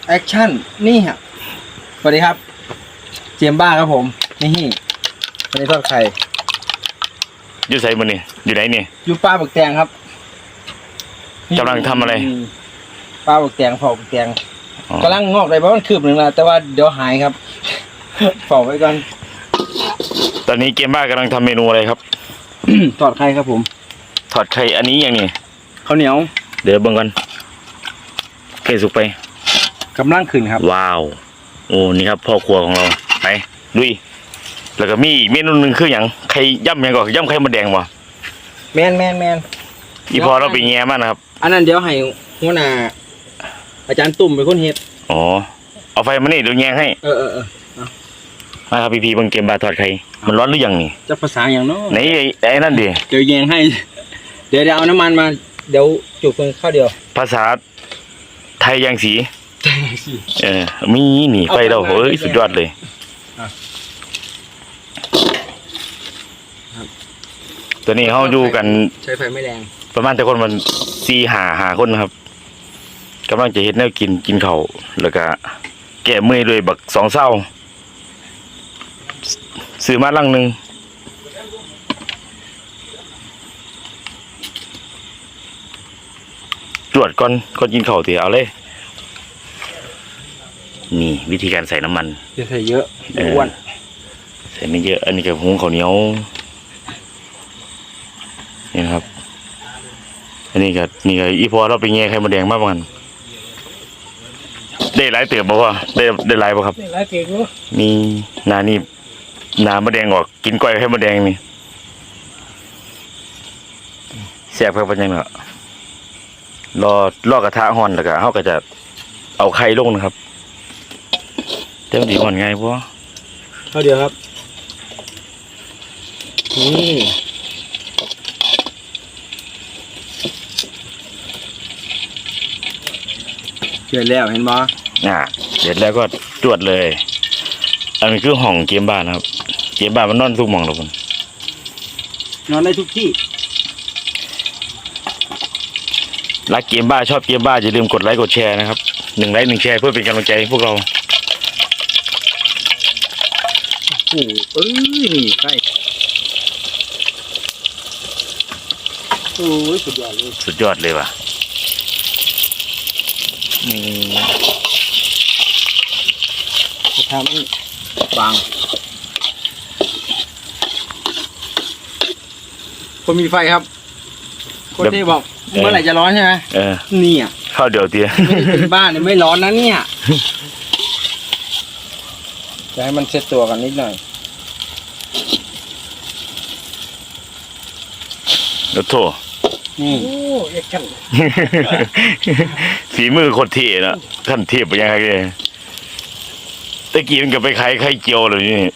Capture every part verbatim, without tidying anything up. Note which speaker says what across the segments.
Speaker 1: แอคชั่นนี่ฮะสวัสดีครับเจมบ้าครับผมนี่วันนี้ทอดไข่
Speaker 2: อยู่ไสมันนี่อยู่ไหนนี่
Speaker 1: อยู่ปลาบักแตงครับ
Speaker 2: กำลังทำอะไร
Speaker 1: ปลาบักแตงเผาบักแตงกำลังงอกได้ประมาณคืบหนึ่งแล้วแต่ว่าเดี๋ยวหายครับเผาไว้ก่อน
Speaker 2: ตอนนี้เกมบ้ากำลังทำเมนูอะไรครับ
Speaker 1: ทอดไข่ครับผม
Speaker 2: ทอดไข่อันนี้อย่างนี้
Speaker 1: ข้าวเหนียว
Speaker 2: เดี๋ยวเบิ่งกันเกสุกไป
Speaker 1: กำลังขึ้นครับ
Speaker 2: ว้าวโอ้นี่ครับพ่อครัวของเราไปลุยแล้วก็มีเมนูหนึ่งคืออย่างไข่ย่ำยังก่อนย่ำไข่มดแดงวะ
Speaker 1: แมนแมนแมน
Speaker 2: อีพอเราไปแง่มากนะครับ
Speaker 1: อันนั้นเดี๋ยวให้หัวหน้าอาจารย์ตุ่มเป็นคนเฮ็ด
Speaker 2: อ๋อเอาไฟมานี่เดี๋ยวแง่ให้
Speaker 1: เออเออเออ
Speaker 2: มาครับพี่พีบังเกมบาทอดไข่มันร้อนหรือยังนี่
Speaker 1: จะภาษาอย่างเนาะ
Speaker 2: ไหนไอ้นั่นดิ
Speaker 1: เดี๋ยวแยงให้เดี๋ยวเดี๋ยวเอาน้ำมันมาเดี๋ยวจุกเพิ่งข้าวเดียว
Speaker 2: ภาษาไทยยังสีเออมีนี่ไฟเราเฮ้ยสุดยอดเลยตัวนี้เขาดูกัน
Speaker 1: ใช้ไฟไม่แรง
Speaker 2: ประมาณแต่คนมันสี่หาหาคนนะครับกำลังจะเห็นแนวกินกินเขาแล้วก็แก่เมื่อยด้วยบักสองเศร้าซื้อมาลังหนึ่งตรวจก่อนก่อนกินเข่าตีเอาเลยนี่วิธีการใส่น้ำมัน
Speaker 1: จะใส่เยอะอ้วน
Speaker 2: ใส่ไม่เยอะอันนี้กับหุงข้าวเหนียวนี่นะครับอันนี้กับนี่กับอีพอเราไปแง่ไข่มดแดงมากมันได้หลายเติบบ่วะได้ได้หลายบ่ครับ
Speaker 1: ได้หลายเติบอยู่
Speaker 2: มีนานี่นามะแดงออกกินก้อยไข่มดแดงนี่แซ่บครับเป็นยังไงรอรอกระทะห่อนแล้วก็เขาก็จะเอาไข่ลงนะครับเต็มดีห่อนไงพวก
Speaker 1: เท่าเดียวครับนี่เดือดแล้วเห็นบ่
Speaker 2: อ่าเดือดแล้วก็จวดเลยอันนี้คือห้องเกมบ้านนะครับเกมบ้านมันนอนทุกหม่องหรอกคุณ
Speaker 1: นอนได้ทุกที่
Speaker 2: รักเกมบ้าชอบเกมบ้าอย่าลืมกดไลค์กดแชร์นะครับหนึ่งไลค์หนึ่งแชร์เพื่อเป็นกำลังใจให้พวกเรา
Speaker 1: โอ้เอ้ยใช่โอ้ยสุดยอดเลย
Speaker 2: สุดยอดเลยว่ะนี่
Speaker 1: ทำให้บางคนมีไฟครับคนที่บอกเมื่อไหร่จะร้อนใช่ไหม
Speaker 2: เออ
Speaker 1: นี่อ่ะ
Speaker 2: ข้าวเดียวเตี้ย
Speaker 1: ไม่ได้ถึงบ้านเนี่ยไม่ร้อนนะเนี่ยจะให้มันเซ็ตตัวกันนิดหน่อย
Speaker 2: แล้วโถ
Speaker 1: นี่โอ้เอ็กกัน
Speaker 2: ฝีมือคนเท่นะขั้นเทียบไปยังไงเลยตะกี้มันก็ไปขายไข่เจียวเลยนี่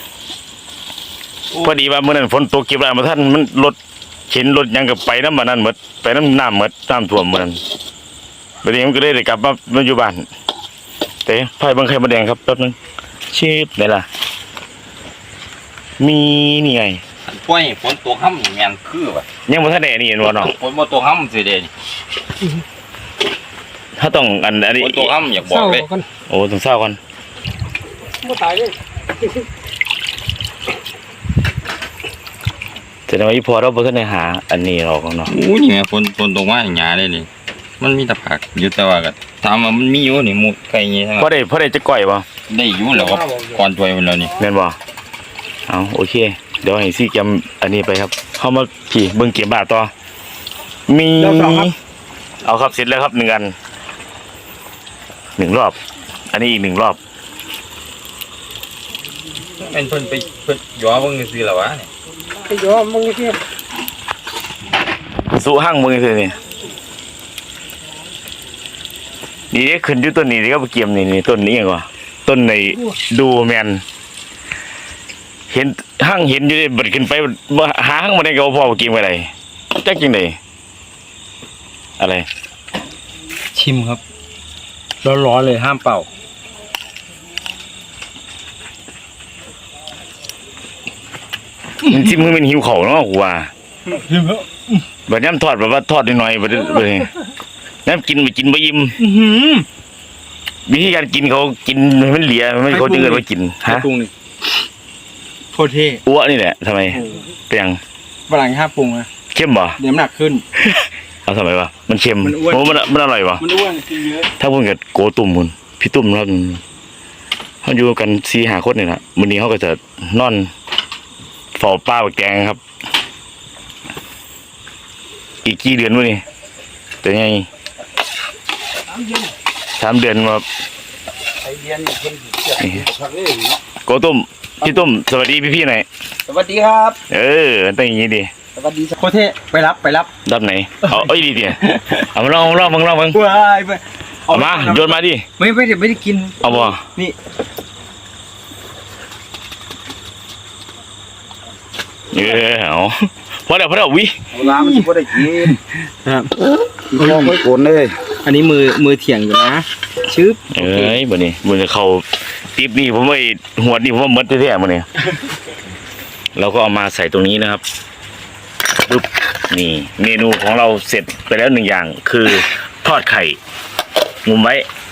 Speaker 2: พอดีว่าเมื่อนั้นฝนตกเก็บได้มาท่านมันรถเข็นรถยังกับไปน้ำมันนั่นหมดไปน้ำน้ำหมดน้ำท่วมเหมือนวันนี้มันก็เลยได้กลับมามาอยู่บ้านแต่ไฟบางไข่มาแดงครับแป๊บนึงชีพไหนล่ะมีนี่ไง
Speaker 3: ป่วยฝนตกห้ำแมนคือแบบ
Speaker 2: ยังบ่ทันได้นี่เห็นบ่เนาะ
Speaker 3: ฝนบ่ตกห้ำสิเด่น
Speaker 2: ถ้าต้องอันอันนี้
Speaker 3: ฝนตกห้ำอยากบอกเลย
Speaker 2: โอ้ต้องเศร้าก่อน
Speaker 1: บ่ตายเลย
Speaker 2: แต่ในวันนี้พอเราบ่ทันได้หาอันนี้หรอกเนาะ
Speaker 3: อู้นี่ไงฝนฝนตกมาหยาเลยนี่มันมีตะผักอยู่แต่ว่าก็ถามว่ามันมีอยู่นี่หมูไก่นี่
Speaker 2: พอได้พอได้จะก่อยบ่
Speaker 3: ได้อยู่แล้วก็ก่อนถ้วยมันแล้วนี่
Speaker 2: แม่นบ่เอาโอเคเดี๋ยวให้ซี่แกมอันนี้ไปครับเข้ามาขี่เบิ่งเกมบาทต่อมีเอาครับเสร็จแล้วครับหนึ่งอันหนึ่งรอบอันนี้อีกหนึ่งรอบ
Speaker 3: เป็นเพิ่นไปเพิ่นย้อเบิ่งซื่อแล้ววะนี่
Speaker 1: ไปย้อมึงซื่อ
Speaker 2: สู้ห้างมึงซื่อนี่นี่เด้ขึ้นอยู่ต้นนี้นี่ก็เกมนี่นี่ต้นนี้หยังวะต้นในดูแมนเห็นห้างเห็นอยู่บัดขึ้นไปหาห้างมาได้ก็พอกินไปไหนจักจริงเลยอะไร
Speaker 1: ชิมครับร้อนๆเลยห้ามเป่า
Speaker 2: มันชิมมือมันหิวเข่าเนาะกูว่าแบบน้ำทอดแบบว่าทอดนิดหน่อยแบบแบบน้ำกินไปกินไปอิ่มวิธีการกินเขากินให้มันเหลียไม่เขาจึงเกิดว่ากิน
Speaker 1: ฮะ
Speaker 2: ฮะ
Speaker 1: ปรุงนี่โคตรเท่
Speaker 2: อ้วนี่แหละทำไมเปียง
Speaker 1: ฝรั่งห้ามปรุงนะ
Speaker 2: เข้มบ่
Speaker 1: เดี๋ยวน้ำหนักขึ้น
Speaker 2: เอาทำไมวะมันเค็ม
Speaker 1: มันอ้วน
Speaker 2: โอ้มันมันอร่อยวะ
Speaker 1: มันอ้วนกินเยอะ
Speaker 2: ถ้าพูดกับโกตุ่มคุณพี่ตุ่มเราเขาอยู่กันสี่หาคนนี่แหละวันนี้เขาก็จะนอนเฝ้าป้ากับแกงครับ อีกกี่เดือนวะนี่แต่ไงสามเดือนมา
Speaker 1: ไอเดียนี่เพิ่งเสียบพักเลยเนาะ
Speaker 2: โกตุ่มพี่ตุ่มสวัสดีพี่ๆหน่อย
Speaker 1: สวัสดีครับ
Speaker 2: เออมันต้องอย่างนี้ดิ
Speaker 1: สวัสดีโคตรเท่ไปรับไปรับ
Speaker 2: รับไหนเอาเอ้ยดีดิเอามาลองลองมึงลองมึง
Speaker 1: ว้ายไป
Speaker 2: เอามาโยนมาดิ
Speaker 1: ไม่ไม่ได้ไม่ได้กิน
Speaker 2: เอาบ่
Speaker 1: นี่
Speaker 2: เออเอาพอเดี๋ยวพอเดี๋ยววิ
Speaker 4: เวลามันก็ได้กิน
Speaker 1: ครับ
Speaker 4: กินข้าวไม่โกนเลย
Speaker 1: อันนี้มือมือเถียงอยู่นะชึบ
Speaker 2: เอ้ยบ่นี่มันจะเข้าติปนี่ผมไม่หัวดนี่ผมว่าหมดแท้ๆมันเนี่ยเราก็เอามาใส่ตรงนี้นะครับปึ๊บนี่เมนูของเราเสร็จไปแล้วหนึ่งอย่างคือทอดไข่งุมไว้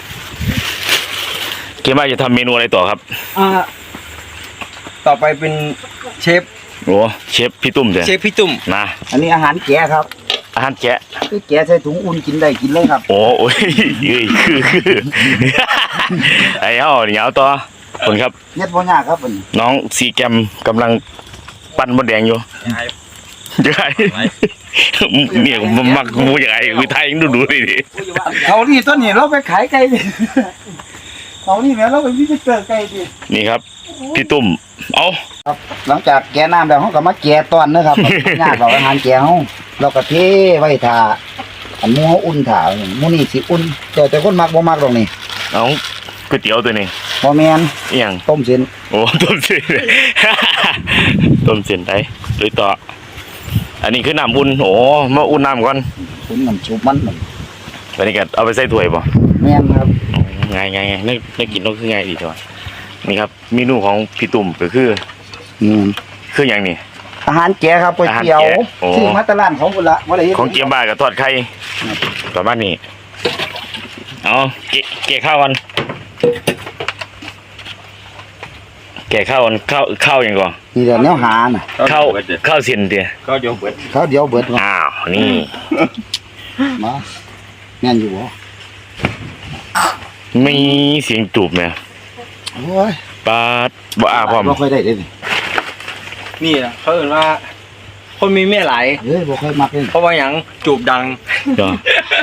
Speaker 2: เกม่าจะทำเมนูอะไรต่อครับ
Speaker 1: อ่าต่อไปเป็นเชฟ
Speaker 2: โอ้เชฟพี่ตุ้มเถอะ
Speaker 1: เชฟพี่ตุ่ม
Speaker 2: นะ
Speaker 4: อันนี้อาหารแกะครับ
Speaker 2: อาหารแกะ
Speaker 4: คือแกะใส่ถุงอุ่นกินได้กินเลยครับ
Speaker 2: โอ้โอ้ยเอ้ยคือคือไอ้เฮาเหนียวต่อคนครับ
Speaker 4: เย็ดบ่ยากครับอันนี้
Speaker 2: น้องซีแกมกำลังปั้นมดแดงอยู่ยังไงเนี่ยมันมักมูยังไงคือไทยดูดูดิดิ
Speaker 4: เขานี่ต้นนี่เราไปขายไก่ดิเขานี่แม่เราไปวิจิเตอร์ไก่ดิ
Speaker 2: นี่ครับ พี่ตุ้มเอา
Speaker 4: ครับหลังจากแกะน้ำแล้วเขาก็มาแกะตอนนะครับ ยากเราอาหารแกะเขาเราก็เทไว้ท่าอันหมูเขาอุ่นท่าหมูนี่สิอุ่นเดี๋ยวแต่คนมักบ่มักตรงนี้
Speaker 2: เอาก๋วยเตี๋ยวตัวนี้
Speaker 4: บ่แม่น
Speaker 2: เอียง
Speaker 4: ต้มเส้น
Speaker 2: โอ้ต้มเส้น ต้มเส้นได้ด้วยต่อ อันนี้คือน้ำอุ่นโอ้มาอุ่นน้ำก่อน
Speaker 4: อุ่นน้ำซุปมันมัน
Speaker 2: วันนี้ก็เอาไปใส่ถ้วยป่ะ
Speaker 4: แม่นครับ
Speaker 2: ง่ายง่ายง่ายนึกนึกกินต้องคือง่ายดีจังวะนี่ครับเมนูของพี่ตุ่มก็คือ
Speaker 4: อืม
Speaker 2: คืออย่างนี้
Speaker 4: อาหารแกะครับก๋วยเตี๋ยว
Speaker 2: อาหารแกะโอ้
Speaker 4: ที่มาตลาดเขาพุ่นละบ่ได้เฮ็ด
Speaker 2: ของเกี๊ยวบ้ากับทอดไข่ประมาณนี้เอาเกะเกะข้าวกันแกะข้าวกันข้าวข้าวยังก่อน
Speaker 4: นี่แหละแนวหาน่ะ
Speaker 2: ข้าวข้าวเสียนเดีย
Speaker 3: ก็เดี๋ยวเบิด
Speaker 4: เขาเดี๋ยวเบิดว่า
Speaker 2: อ้าวนี่
Speaker 4: มาแม่นอยู่บ่
Speaker 2: มีเสียงจูบไหม
Speaker 4: โอ้ย
Speaker 2: ปาดบ่อาพร้อม
Speaker 4: บ่ค่อยได้เด้นี่
Speaker 1: นี่นะเขาเอ่นว่า คนมีเมียหลาย
Speaker 4: เอ้ยบ่ค่อยมักเด้
Speaker 1: เพราะว่าหยังจูบดัง
Speaker 2: เนาะ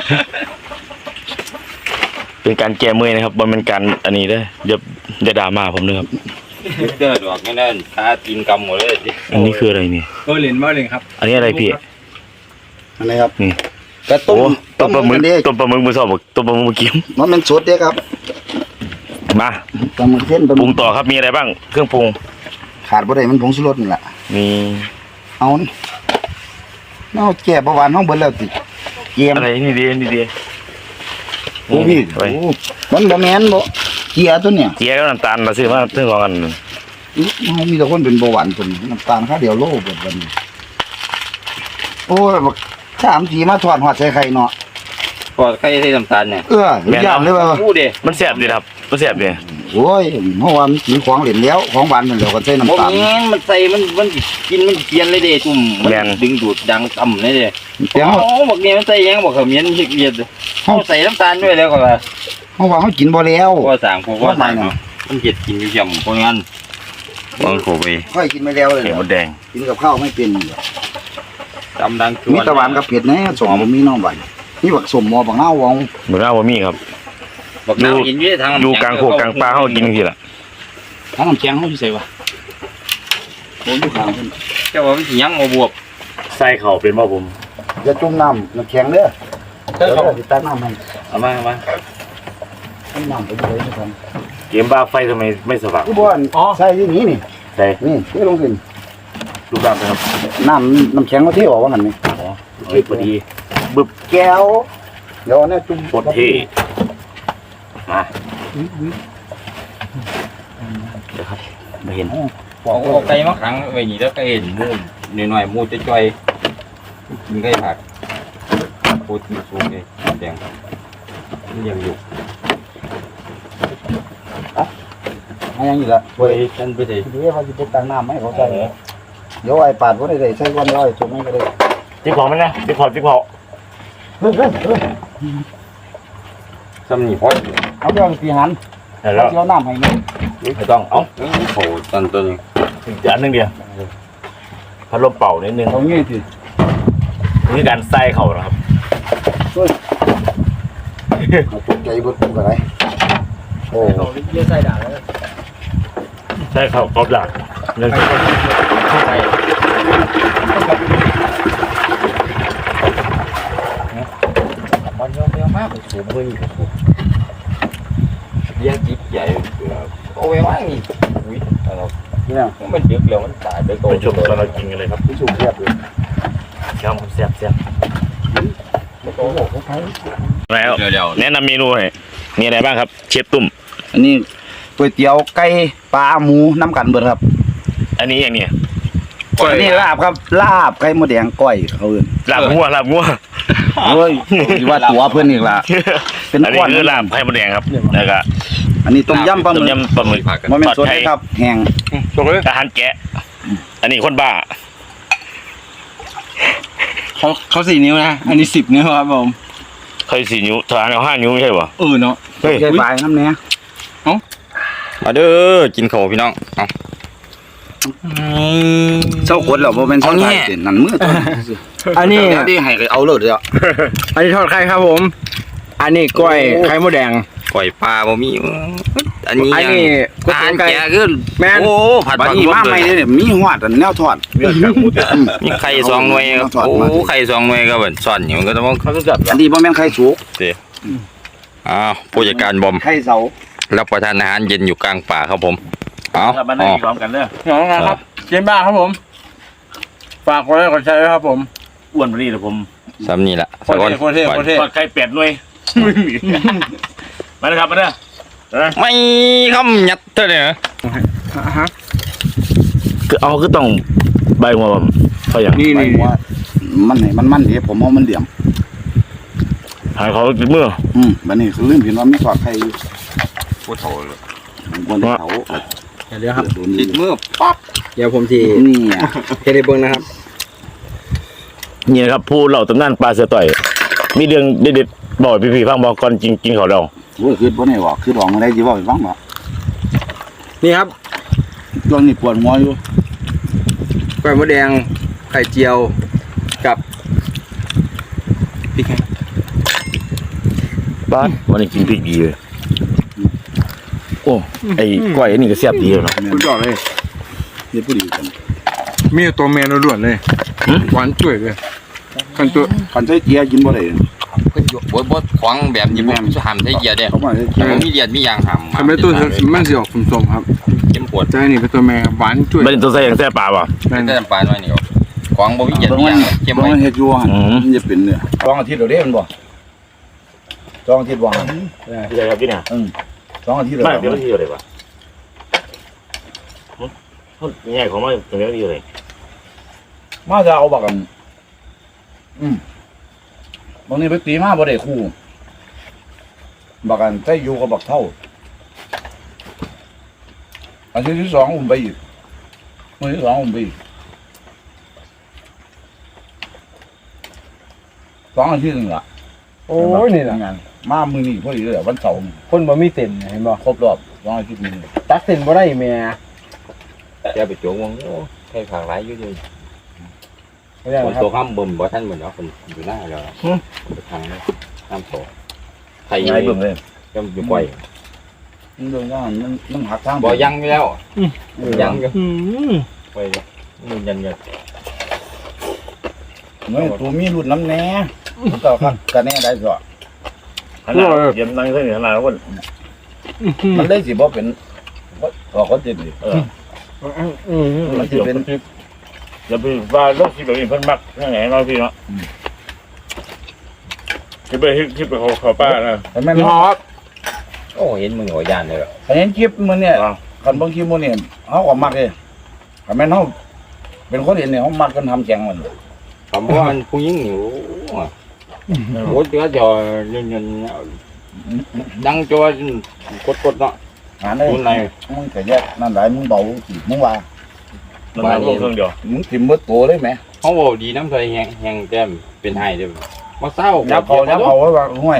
Speaker 2: เป็นการแก้เมื่อยนะครับมันเป็นการอันนี้เด้อเดี๋ยวเดี๋ยวด่ามาผมด้วยครับ
Speaker 3: เดินออกไม่ได้ขากินกำหมดเลยดิ
Speaker 2: อันนี้คืออะไรเนี่ย
Speaker 1: เออเหรียญมาเลยครับ
Speaker 2: อันนี้อะไรพี่
Speaker 4: อันนี้ครับ
Speaker 2: นี่
Speaker 4: กระต้
Speaker 2: โอ้
Speaker 4: ม
Speaker 2: ต้มปลาหมึก
Speaker 4: อันนี้
Speaker 2: ต้มปลาหมึกมือสอบบอกต้มปลาหมึกมือกิ้ม
Speaker 4: มันเป็นสดเด้ครับ
Speaker 2: มา
Speaker 4: ปลาหมึกเส้นปลาห
Speaker 2: ปรุ
Speaker 4: มึ
Speaker 2: ง
Speaker 4: ก
Speaker 2: ต่อครับมีอะไรบ้างเครื่องปรุง
Speaker 4: ขาดบ่ได้มันผงชูรสนี่แหละ
Speaker 2: มี
Speaker 4: เอาเอาแก่ประวานห้องเบิดแล้วติเกม
Speaker 2: อะไรนี่ดีนี่ดี
Speaker 4: โอ้พี่
Speaker 2: อะไร
Speaker 4: โอ้มันบ่แม่นบ่เกียตัวเนี่ย
Speaker 2: เจียกับน้ำตาลมาซื้อมาซื้อของกัน
Speaker 4: อื้อมันมีแต่คนเป็นเบาหวานคนน้ำตาลค่าเดียวโลเบิดวันนี้โอ้ยบักสามสีมาทอดหอดใส่ไข่เนาะ
Speaker 3: พอใครใส่น้ำตาลเนี่ย
Speaker 4: เออย่านเลยว่า
Speaker 3: พูดดิ
Speaker 2: มันแซ่บดีครับมันแซ่บดี
Speaker 4: โอ้ยเมื่อวานกินของเหลนแล้วของหวานมันแล้วก็ใส่
Speaker 3: บ่
Speaker 4: น้ำตาล
Speaker 3: แม่นมันใส่มันมันกินมันเคียนเลยเด้จุ่มมันดึงดูดดังต่ำเลยเด้
Speaker 4: แต่
Speaker 3: โอ้
Speaker 4: เฮา
Speaker 3: บอกเนี่ยมันใส่ยังบอกเขาเมียนเฮียเบียดเขาใส่น้ำตาลด้วยแล้วก็ว่า
Speaker 4: เฮาว่าเฮากินบ่แล้ว
Speaker 3: ก็สั่งพวกว่าสั่งเนาะมันเจ็ดกินอยู่ย่ำพวกนั้นวางโขไป
Speaker 4: ค่อยกินไม่แล้วเลย
Speaker 2: เขียว
Speaker 4: เหร
Speaker 2: ม
Speaker 4: อ
Speaker 2: ดแดง
Speaker 4: กินกับข้าวไม่เป็นเหรอ
Speaker 3: ตำดัง
Speaker 4: มีแตะหวานกับเผ็ดนะสมบ่มีน้องหวานนี่บักสมหมอบักนาววง
Speaker 2: เหมือนว่าบ่มีครับ
Speaker 3: บอกน้ำกินอยู่ทาง
Speaker 2: อยู่กลางโคกกลางปลาเฮากินทีละ
Speaker 4: ทางน้ำแข็งเฮาสิใส่วะโอ้ยอยู่ข้างเพิ่น
Speaker 3: เจ้าว่ามันสิยังมาบวบ
Speaker 2: ใส่เข่าเป็นบ่ผม
Speaker 4: อย่าจุ่มน้ำน้ำแข็งเด้อเดี๋ยวเราสิตักน้ำให้
Speaker 3: เอามาเอามา
Speaker 4: ให้น้ำไปเลยนะครับ
Speaker 2: เกมบ้าไฟทำไมไม่สว่าง
Speaker 4: ผู้บ่อนใส่ที่นี้นี่
Speaker 2: ใส่
Speaker 4: นี่ที่ลงสิ
Speaker 2: ลูกดำนะครับ
Speaker 4: น้ำน้ำแข็งเอาที่ออกว่าหั่นนี่
Speaker 2: อ๋อเอ้ยพอดีบึบ
Speaker 4: แก้วเดี๋ยวเอาเนี่ยจุ่ม
Speaker 2: โคตรเท่มาเดี๋ยวครับไม่เห็น
Speaker 3: เอาเอาไก่มาขังไว้นี่แล้วก็เห็นมูนหน่อยๆมูจะจ่อยกินไก่ผักโคตรสูงเลยแดงนี่ยังอยู่
Speaker 4: อันยังอีกละ
Speaker 3: เว้ยฉันไปดิ
Speaker 4: เดี๋ยวเขาจะไปตั้งน้ำให้เขาใส่เดี๋ยวไอ้ปาดก็ได้ใส่ก้อนเดียวไอ้จุ่มให้ก็ได้
Speaker 2: จิ๊กเผาไหมนะจิ๊กเผาจิ๊กเผา
Speaker 4: เฮ้ยเฮ้ยเฮ้ย
Speaker 3: ซ้ำนี่พอ
Speaker 4: เอาเรื่องตีหัน
Speaker 2: เห็นแล้ว
Speaker 4: เอาน้ำให้นี่
Speaker 2: ไม่ต้องเอา
Speaker 3: โอ้ตอนตัวนี้
Speaker 2: อีกอันหนึงเดียวพัดลมเป่านิดนึง
Speaker 4: เอางี้สิ
Speaker 2: นี่การใส่เข่านะครับ
Speaker 4: เอาตกใจเบิดกูกันไรโอ้
Speaker 1: เขาเยอะใส่ด่างแล้ว
Speaker 2: ใส่เข่ากรอบหลักเรื่องที่ใส่
Speaker 3: มันเยอะเยอะมากเลยสูงเลยยาจิบใหญ่โอ้ยว่านี่อุ้ยเรา
Speaker 4: เนี่ย
Speaker 3: มันดึกแล้วมันตายไปโต
Speaker 2: ไปชมตอนเรากินกันเลยครับ
Speaker 4: ที่สูงเทียบเลย
Speaker 2: ยำแซ่บแซ่บ
Speaker 4: โอ้โหเขาใช้
Speaker 2: แล้ว
Speaker 3: เดี๋ยว
Speaker 2: แนะนำเมนูให้มีอะไรบ้างครับ เชฟตุ้ม
Speaker 4: อันนี้ก๋วยเตี๋ยวไก่ปลาหมูน้ำกันเบิดครับ
Speaker 2: อันนี้อย่างเนี้ย
Speaker 4: อันนี้ลาบครับลาบไก่มดแดงก้อยเขาเอิ้น
Speaker 2: ลาบงัวลาบงัว
Speaker 4: เฮ้ยที่ว่าตัวเพื่อนอีกละเป็น
Speaker 2: อัน
Speaker 4: ก้
Speaker 2: นี้
Speaker 4: อน
Speaker 2: คือลาบไข่มดแดงครับแล้วก็
Speaker 4: อันนี้ต้มยำปลาห
Speaker 2: ต้
Speaker 4: มึ
Speaker 2: ม
Speaker 4: ก
Speaker 2: ยำปลาหมึก
Speaker 3: ผักกัน
Speaker 4: มันเป็น
Speaker 2: ทอด
Speaker 4: ส่วน
Speaker 2: ไข่
Speaker 4: นี้ครับแห้ง
Speaker 2: อาหารแกะ อันนี้คนบ้า
Speaker 1: เขาเขาสี่นิ้วนะอันนี้สิบนิ้วครับผม
Speaker 2: เคยสี่นิ้วทานเอาห้านิ้วไม่ใช่ปะ
Speaker 1: เออเนาะ
Speaker 2: เฮ้ย
Speaker 4: ใหญ่ปลายน้ำเนี้ย
Speaker 3: มาเด้อกินข้าวพี่น้องเอา
Speaker 4: เจ้าคนเหรอบ่เป็นเจ้าไทยเด่นนั่นมือตัว
Speaker 1: อันนี้
Speaker 4: เดี๋ยวที่ให้เอาเลยเดี๋ยว
Speaker 1: อันนี้ทอดไข่ครับผม อันนี้กล้วยไข่มดแดง
Speaker 3: ก่อยปลาบ่มีอันนี้
Speaker 1: อันนี้ก๋วย
Speaker 3: อา
Speaker 1: เตี๋
Speaker 3: หา
Speaker 1: ยวไก่
Speaker 3: รแก่ขึ้น
Speaker 1: แม่น
Speaker 3: โอ้ผัด
Speaker 4: บัด
Speaker 3: ผัก
Speaker 4: นี้
Speaker 3: รว
Speaker 4: มา
Speaker 3: เล
Speaker 4: ใหม่
Speaker 3: ย
Speaker 4: เด้อเนี่ยมีหอดอันแนวทอด
Speaker 3: มีไข่สองหน่วยครับโอ้ไข่สองหน่วยก็แบบซ่อนอยู่มันก็ต้อง
Speaker 2: เขาจะจับ
Speaker 4: อันนี้บ่แม่นไข่สุก
Speaker 3: อ้าวผู้จัดการบอม
Speaker 4: ไข่เสา
Speaker 3: รับประทานอาหารเย็นอยู่กลางป่าครับผมเอา
Speaker 2: ครับมันได้พร้อมกันเด้อ
Speaker 1: หนองนะครับเจมบ้าครับผม ฝากกดไลค์กดแชร์ด้วยครับผม
Speaker 2: อ้วนพอดีเลยผม
Speaker 3: ซ้ำนี่แหละ
Speaker 1: โคตรเท่โคตรเท่โคตรเท่
Speaker 2: ทอดไข่เป็ดหน่วยมาเลยครับมาเด้อ
Speaker 3: ไม่คำยัดเท่าไหร่นะ
Speaker 1: อ่ะฮะ
Speaker 2: คือเอาคือต้องใบหัวผมเขาอย่าง
Speaker 1: นี่
Speaker 4: ไป
Speaker 1: นี่
Speaker 4: ว่ามันให้มันมันเดี๋ยวผมเอามันเหลี่ยม
Speaker 2: หายเขาติดมือ
Speaker 4: อืมบัดนี้คือลืมเห็นว่ามีทอดไข่อยู่
Speaker 3: ผู้โถเลย
Speaker 4: บนเขา
Speaker 1: เดี๋ยวครับ
Speaker 4: โดน
Speaker 3: ติดมือปั๊บ
Speaker 1: เดี๋ยวผมที
Speaker 4: นี่อ่ะ
Speaker 1: เฮลิเบิงนะครับ
Speaker 2: นี่นะครับผู้เล่าตำนานปลาเสือต่อย มีเรื่องเด็ดๆบอกพี่ๆฟังบอกก่อนจริงจริงเขาเรา
Speaker 4: โอ้ยคือบ่ได้ว่าคือดองมาได้สิบ่ให้ฟังบ่
Speaker 1: นี่ครับ
Speaker 4: ช่วงนี้ปวดหัวอยู่
Speaker 1: กล้วยมดแดง ไข่เจียว กับพริกแห้ง
Speaker 2: บ้านวันนี้กินพริกดีเลยโอ้ไอ้ก้อยอันนี้ก็แซ่บดีเลยเนาะ
Speaker 1: สุดยอดเลย
Speaker 4: เฮ็ดผู้ดีกัน
Speaker 1: มีแต่ตัวแมนล้วนๆเลย
Speaker 2: หืม
Speaker 1: หวานจุ๋ยเลยกันตัว
Speaker 4: คันใช้เกียร์กินบ่ได้
Speaker 3: ก็อยู่บดบดขวางแบบนี้ผมห้ามใช้เกียร์เด้
Speaker 4: เขาบอกใช้เกี
Speaker 3: แต่
Speaker 4: ยร์
Speaker 3: ผมมีเลียดมียางห้าม
Speaker 1: ทำให้ตัวมันสีออกส้มๆครับ
Speaker 3: เข้มปวด
Speaker 1: แต่อันนี้เป็นตัวแมนหวานจุ๋ย
Speaker 2: บ้านตัวใส่ยังแซ่บปลาป่ะ
Speaker 1: แม่น
Speaker 3: ก็จำปาหน่อยนี่ขวางบ่มีเกียร์
Speaker 4: เบิ่ง
Speaker 3: มี
Speaker 4: มั
Speaker 3: ยาน งเข้ม
Speaker 4: เบิ่ง
Speaker 3: ไว้
Speaker 4: มันเฮ็ดอยู่หั่น
Speaker 2: อืม
Speaker 4: มันจะเป็นเนื้อสองอาทิตย์แล้วเด้มันบ่สองอาทิตย์บ่หั่น
Speaker 2: พี่ชายครับพี่เนี่ย
Speaker 4: อืมสองอาทิตย์แล้ว
Speaker 2: ไม่เดี๋ยวที่อยู่เลยป่ะง่ายของมันตรงนี้ดีเลย
Speaker 4: มาจะเอาบักกันอืมบางนี้ไปตีมาบ่ได้คู่บักกันใช้อยู่กับบักเท่าอาทิตย์ที่สองผมไปอีกมื้อที่สองผมไปอีกสองอาทิตย์นึงล่ะ
Speaker 1: โอ้ยนี่แหละ
Speaker 4: งานมามื้อนี้พอดีเลยวันเสาร์นี่
Speaker 1: คนบ่มีเต็นเห็นบ่
Speaker 4: ครบรอบสองอาทิตย์นี้
Speaker 1: ตักเต็นบ่ได้แม่
Speaker 3: แกไปโจงวงโอ้ใครขางไรอยู่ดี
Speaker 1: ไม่ได้
Speaker 3: ฝน
Speaker 1: ครั
Speaker 3: ต
Speaker 1: บ
Speaker 3: กห้ามบ่มบ่ท่านเหมือนเนาะคนอยู่หน้าเราไปทางน้ำโตใคร
Speaker 2: ง่ายเบิ่มเลย
Speaker 3: ก็อยู่ปล่อย
Speaker 4: มันเรื่องว่ามันมันหักทาง
Speaker 3: บ่ยังอยู่แล้วยังอยู่
Speaker 1: อืม
Speaker 3: ไปมันยันยัน
Speaker 4: เฮ้ยตัวมีรุ่นน้ำแหน่มันก็คักกะแน่ได้ซะ
Speaker 2: ขนาดเยี่ยมนั่งเส้นขนาดว่า
Speaker 4: มันเลยสิบ่เป็นบ่ก็คนจิตดิ
Speaker 2: เออ
Speaker 1: อืม
Speaker 4: มันสิเป็น
Speaker 2: อย่าไปว่าโรคที่แบบนี้เพิ่นมักนั่นไหนน้อยพี่เนาะที่ไปที่ไปเขาเขาป้านะ
Speaker 4: แต่แม่น
Speaker 1: พี่ฮ
Speaker 4: เฮา
Speaker 1: อต
Speaker 3: โอ้เห็นมึงหัวยานเลยหรอ
Speaker 4: คันเห็นคลิปมื้อเนี่ยคันเบิ่งคลิปมื้อเนี่ยเฮาก็มักเด้คันแม่นเฮาเป็นคนเห็นเนี่ยเฮามักกันทำแจงมัน
Speaker 3: คำว่ามันผู้หญิงอยู่โอ้ยก็จะยันยันดังจอกดกดเนาะ
Speaker 4: หาเลย
Speaker 3: คุณอะไร
Speaker 4: มึงก็แยกนั่นหลายมึงเบาสิมึงว่า
Speaker 2: น้ำหนักลงเครื่องเดียว
Speaker 4: มึงถิ่มเบิดโตเลยแหม
Speaker 3: เขาบอกดีน้ำใสแห้งแห้งแต้มเป็นไห้เด้อมาเศร้า
Speaker 4: ยับเขายับเขาไว้ว่าห้วย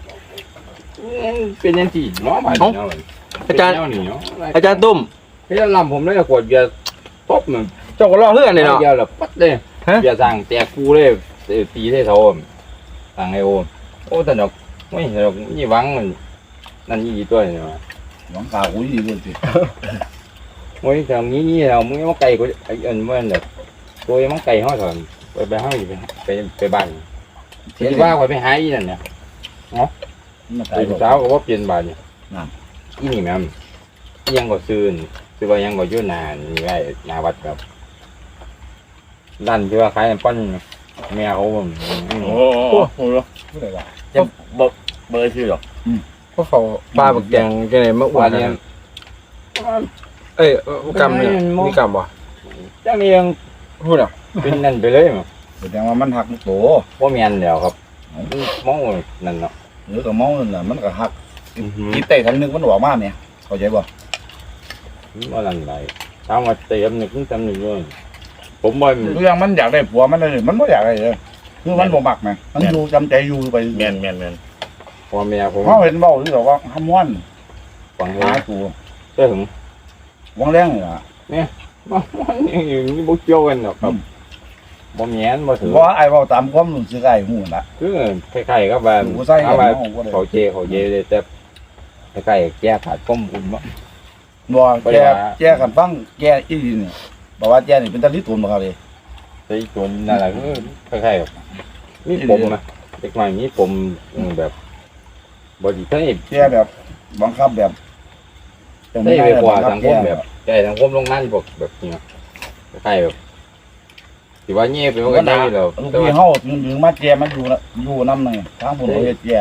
Speaker 3: เป็นยังที่เนาะบาดเนาะ
Speaker 1: อาจารย์
Speaker 3: นี่เนาะ
Speaker 1: อาจารย์ตุ้ม
Speaker 3: พี่ลำผมเลยขวดเบียร์ป๊บมัน
Speaker 1: เจ้าก็รอเพื่อนเลยเนาะ
Speaker 3: เบียร์แล้วปั๊ดเลย
Speaker 1: ฮะ
Speaker 3: เบียร์สั่งแตกกูเลยตีได้เท่าสั่งไอโอโอ้แต่ดอกไม่ดอกนี่วังมันนั่นนี่ตัวนี่เนาะ
Speaker 4: หวังตากูดีเลยสิ
Speaker 3: โอ้ยทางนี้นี่เรามึงมาไก่กูไอ้อันมันแบบตัวมันไก่ห้อยถอนไปไปห้อยไปไปไปบ้านที่ว่าไปไปหาอีนั่นเนี่ย
Speaker 4: มาตาย
Speaker 3: ตื่นเช้าก็ว่าเปลี่ยนบ้านเนี่ยอีนี่แม่ยังก็ซื้อซื้อว่ายังก็ยุ่นนานนี่ไอ้นาวัดครับร้านที่ว่าขายปั้นแม่เขาผม
Speaker 2: โอ้โหโอ้โห
Speaker 4: ผู้ใดว่า
Speaker 2: จะเบอร์เบอร์ชื่อหรอ
Speaker 1: พวกเขาปลาบักแดงกันไหนเมื่อวานเนี่ยเอ้ยกำเนี่ยมีกำบ่
Speaker 3: จังนี้ยัง
Speaker 1: พูดอ่ะ
Speaker 3: เป็นนั่นไปเลยมั้ง
Speaker 4: แสดงว่ามันหักโต
Speaker 3: ว่าเมียนเดียวครับมองนั่นเนาะ
Speaker 4: หรือก็เมานั่นน่ะมันก็หักกินเตะทางนึงมันออกมาเนี่ยเข้าใจบ่
Speaker 3: ว่านั่นไรตามมาเตรียมหนึ่งจำหนึ่งเลยผมว่า
Speaker 4: เรื่องมันอยากได้ผัวมันเลยมันบ่อยากได้เลยคือมันบ่มักแม่มันอยู่จำใจอยู่ไป
Speaker 2: แมนแมนแมน
Speaker 3: พอเมียผม
Speaker 4: เฮาเห็นเว้าที่บอกว่าห้ามวน
Speaker 3: ฟังเล
Speaker 4: หาย ตัว
Speaker 3: เจ้าถึง
Speaker 4: วังแรงนี่ล่ะ
Speaker 3: มันอยู่นี่บุกเกี่ยวกันหรอกครับบ่เมียนบ่ถือ
Speaker 4: บ่ไอ้เว้าตามความรู้สึกไอ้ฮู้ล่ะ
Speaker 3: คือคล้ายๆกับแบบ
Speaker 4: กูใส่
Speaker 3: เอา
Speaker 4: เอา
Speaker 3: แบบ
Speaker 4: บ่ได้
Speaker 3: เขาเจเขาเจเลยแต่คล้ายๆแก้ขาดก้มอุ่นบ่
Speaker 4: บ่แกแกกันฟังแกอีนี่บอกว่าแกนี่เป็นตะลิตุนบ่ครับเลย
Speaker 3: ไอ้ตัวนั่นแหละคือคล้ายๆกับมีปมนะเด็กใหม่มีปมแบบบริสุทธิ์
Speaker 4: แกแบบบังคับแบบ
Speaker 3: ได้ไปกว่าสังคมแบบใจสังคมลงนั่นพวกแบบนี้คล้ายๆแบบที่ว่าเงียบไปมันก็ได้แล้ว
Speaker 4: ลูก
Speaker 3: แต่
Speaker 4: พี่
Speaker 3: ว่า
Speaker 4: เฮาถึงถึงมาแกมันอยู่ละอยู่นำนึงทางผมบ่เฮ็ดแก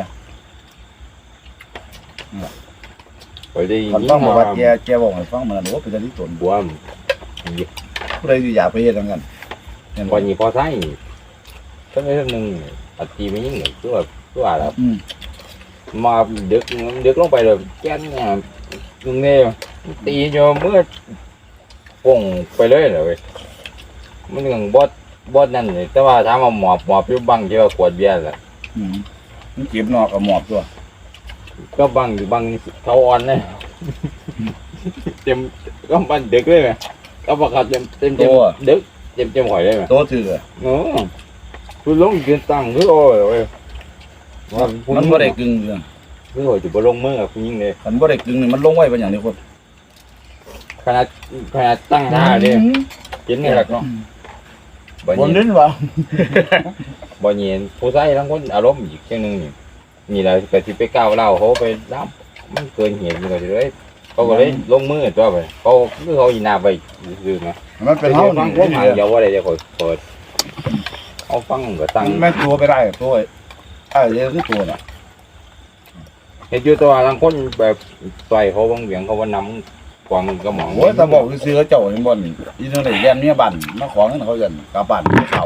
Speaker 3: ไปได้
Speaker 4: มัน
Speaker 3: ยิ
Speaker 4: ต้องบอกว่า
Speaker 3: มา
Speaker 4: แกแกบอกให้ฟังมันว่าเป็นตะลิตุน
Speaker 3: บวม
Speaker 4: ผู้ใดอยากไปเฮ็ดจังกัน
Speaker 3: วันนี้พอใช่ถ้าไม่ท่านหนึ่งอัดตีไม่ยิ่งหนึ่งตัวตัวแล้ว
Speaker 4: อืม
Speaker 3: มาดึกดึกลงไปเลยแก้นเนี่ยลุงเนี่ยตีจนเมื่อป่งไปเลยเลยมันยังบอดบอดนั่นเลยแต่ว่าถามว่าหมอบหมอบอยู่บังที่ว่าขวดเบียร์แหละ
Speaker 4: อืมมันเก็บนอกกับหมอบตัว
Speaker 3: ก็บังอยู่บังเขาอ่อนเลยเต็มก็บันดึกเลยไหมก็ประกาศเต็มเต็มเต็มดึกเต็มเต็มหอยเลยไหม
Speaker 4: ตัวถือ
Speaker 3: เออคือลงยืนตั้งคือโอ้ยโอ้ยว่า
Speaker 4: มันบ่ได้กึ่งเรื่อง
Speaker 3: คือโอ้ยจะบ่ลงมือกับผู้หญิงเลย
Speaker 4: มันบ่ได้กึ่งนี่มันลงไว้เป็นอย่างนี้คน
Speaker 3: ขนาดขนาดตั้งท่าเลยเห็นไงล่ะเนาะบ่
Speaker 4: บน
Speaker 3: เย็
Speaker 4: ลิ้
Speaker 3: น
Speaker 4: นว่า
Speaker 3: บ่เย็นผู้ชายทั้งคนอารมณ์อีกเช่นนึงนี่นี่แหละก็สิไปก้าวเล่าเขาไปน้ำมันเกินเหตุมันก็เลยเขาก็เลยลงมือตัวไปเขาคือเขาอีนาไปคือไง
Speaker 4: มันเป็น
Speaker 3: ไป
Speaker 4: เฮา
Speaker 3: ฟัง
Speaker 4: นี่
Speaker 3: ผมหางเดียวว่าอะไรจะคอยเปิดเอาฟังก็ตั้ง
Speaker 4: แม่ตัวไปได้ตัวไอ้เรื่องคือตัวน่ะ
Speaker 3: เห็นอยู่ตัวทั้งคนแบบต่อยเขาบางเบียงเขาว่าน้ำกวางกระหม่อม
Speaker 4: โอ้ยแต่บอกซื้อเจ้าเห็นบ่นี่อีนั่นได้แย่นเมียบ้านมาขอเงินเขาจันกลับบ้านไม่เข้า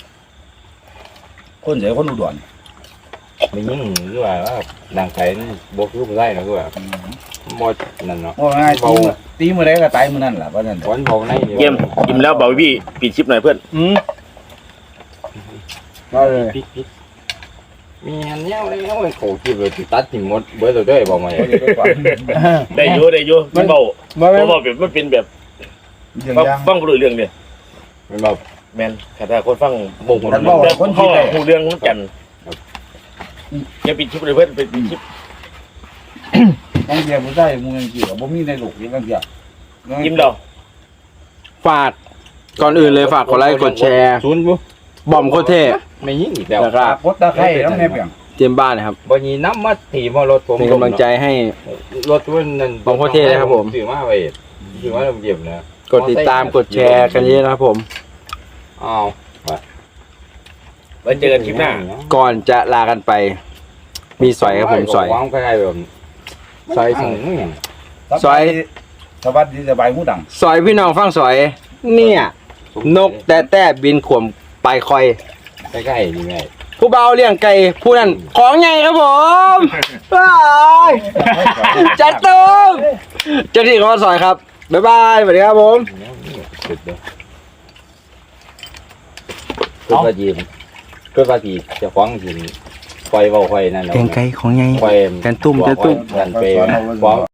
Speaker 4: คนเสียคนอุดร
Speaker 3: ไม่ยิ่งคือว่าดังไก่บกลูกไส้นะคือว่าบดนั่นเนาะ
Speaker 4: ว่าง่ายตีมือตีมือใดก็ตายมือนั่นล่ะว่านั่น
Speaker 3: วันพอใน
Speaker 2: เยี่ยมยิ้มแล้วเบาพี่ปิดชิปหน่อยเพื่อน
Speaker 1: อืมก็เลย
Speaker 3: พิษพิษมีอันเนี้ยเลยเอาไปโขกิบเลยตัดทิ้งหมดเบิดเลยด้วยบอกมา
Speaker 2: ได้อยูได้อยูมันเบา
Speaker 1: บ่
Speaker 2: เพ
Speaker 1: แม่น
Speaker 2: ราะว่าเป็นมันเป็นแบบ
Speaker 4: อย่าง
Speaker 2: ฟัง
Speaker 4: ยัง
Speaker 2: ฟังผู้เรื่องเนี่ย
Speaker 3: มันแบบ
Speaker 2: แมนถ้าคนฟัง
Speaker 3: บ่งคน
Speaker 4: มันบอก
Speaker 2: แต่
Speaker 4: คน
Speaker 2: พ่อ
Speaker 4: ที่ได้
Speaker 2: ผู้เรื่องนั้นกันอย่าปิดชิปเลยเพื่อนปิดชิป
Speaker 4: บางเทีผู้ชายมึงยังกี่บ่มีในโลกนี้บางเที
Speaker 2: ยิ้มเรา
Speaker 1: ฝากก่อนอื่นเลยฝากกดไลค์กดแชร์
Speaker 3: ศูนย์ปุ๊
Speaker 1: บอมโคตรเทพ
Speaker 3: ไม่ยิ่งอีกแล้ว
Speaker 1: แล้วก็
Speaker 4: กดตะไคร้น้ำแนบอย่าง
Speaker 1: เตรียมบ้านนะครับ
Speaker 3: วันนี้น้ำมัดถีมารถผม
Speaker 1: เป็นกำลังใจให้
Speaker 3: รถวันนั้น
Speaker 1: บอมโคตรเท่เลยครับผม
Speaker 3: ถือมาไปถือมาเยี่ยมนะ
Speaker 1: กดติดตามกดแชร์กันเยอะนะครับผม
Speaker 3: อ้าว
Speaker 2: ไว้เจอกันคลิปหน้า
Speaker 1: ก่อนจะลากันไป มีสอยครับผมสอย
Speaker 3: วางใกล้ๆแบบ
Speaker 1: ซอย
Speaker 3: สั่งนี่
Speaker 1: ซอย
Speaker 4: สวัสดีสบายหูดัง
Speaker 1: สอยพี่น้องฟังสอย เนี่ย นกแต่แต่บินข่วมปลายคอย
Speaker 3: ใกล้ๆนี่ไง
Speaker 1: ผู้เบาเลี้ยงไก่ผู้นั้นของใหญ่ครับผมว้ายจัดตุ้มเจ้าที่ขอสอยครับบ๊ายบายสวัสดีครับผม
Speaker 3: สุดเลยเพื่อว่าจีเพื่อว่าจีจะฟ้องจีไฟเบาไฟนั่น
Speaker 1: แกงไก่ของใหญ่
Speaker 3: ไฟ
Speaker 1: แกงตุ้มแกงตุ้ม
Speaker 3: กันไปฟ้อง